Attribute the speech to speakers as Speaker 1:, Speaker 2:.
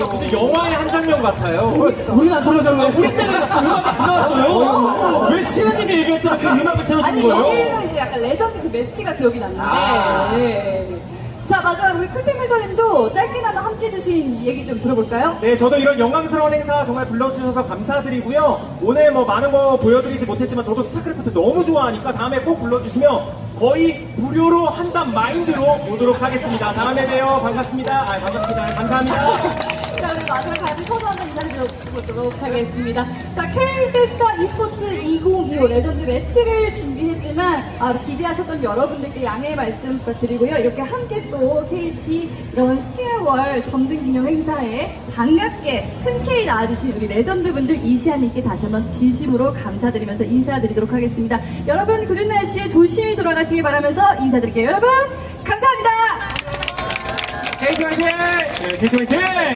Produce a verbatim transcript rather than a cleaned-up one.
Speaker 1: 무슨 영화의 한 장면 같아요.
Speaker 2: 우리는 안 틀어졌네.
Speaker 1: 우리 때는 음악이 안 나왔어요? 왜 시은님이 얘기할 때는 그 음악을 틀어준
Speaker 3: 아니
Speaker 1: 거예요?
Speaker 3: 여기는 이제 약간 레전드 그 매치가 기억이 났는데.
Speaker 1: 아.
Speaker 3: 네. 자 마지막으로 우리 클템 해설님도 짧게나마 함께 해주신 얘기 좀 들어볼까요?
Speaker 1: 네, 저도 이런 영광스러운 행사 정말 불러주셔서 감사드리고요. 오늘 뭐 많은 거 보여드리지 못했지만 저도 스타크래프트 너무 좋아하니까 다음에 꼭 불러주시면 거의 무료로 한단 마인드로 오도록 하겠습니다. 다음에 봬요. 반갑습니다. 아, 반갑습니다. 감사합니다.
Speaker 3: 자 우리 마지막 같이 서로 한번 인사드리도록 하겠습니다. 자 K페스타 e스포츠 이천이십오 레전드 매치를 준비했지만 아, 기대하셨던 여러분들께 양해의 말씀 부탁드리고요. 이렇게 함께 또 케이티 이런 스퀘어월 점등 기념 행사에 반갑게 흔쾌히 나와주신 우리 레전드분들 이시아님께 다시 한번 진심으로 감사드리면서 인사드리도록 하겠습니다. 여러분 그 좋은 날씨에 조심히 돌아가시길 바라면서 인사드릴게요. 여러분 감사합니다.
Speaker 1: 케이티 화이팅! 네, 케이티 화이팅!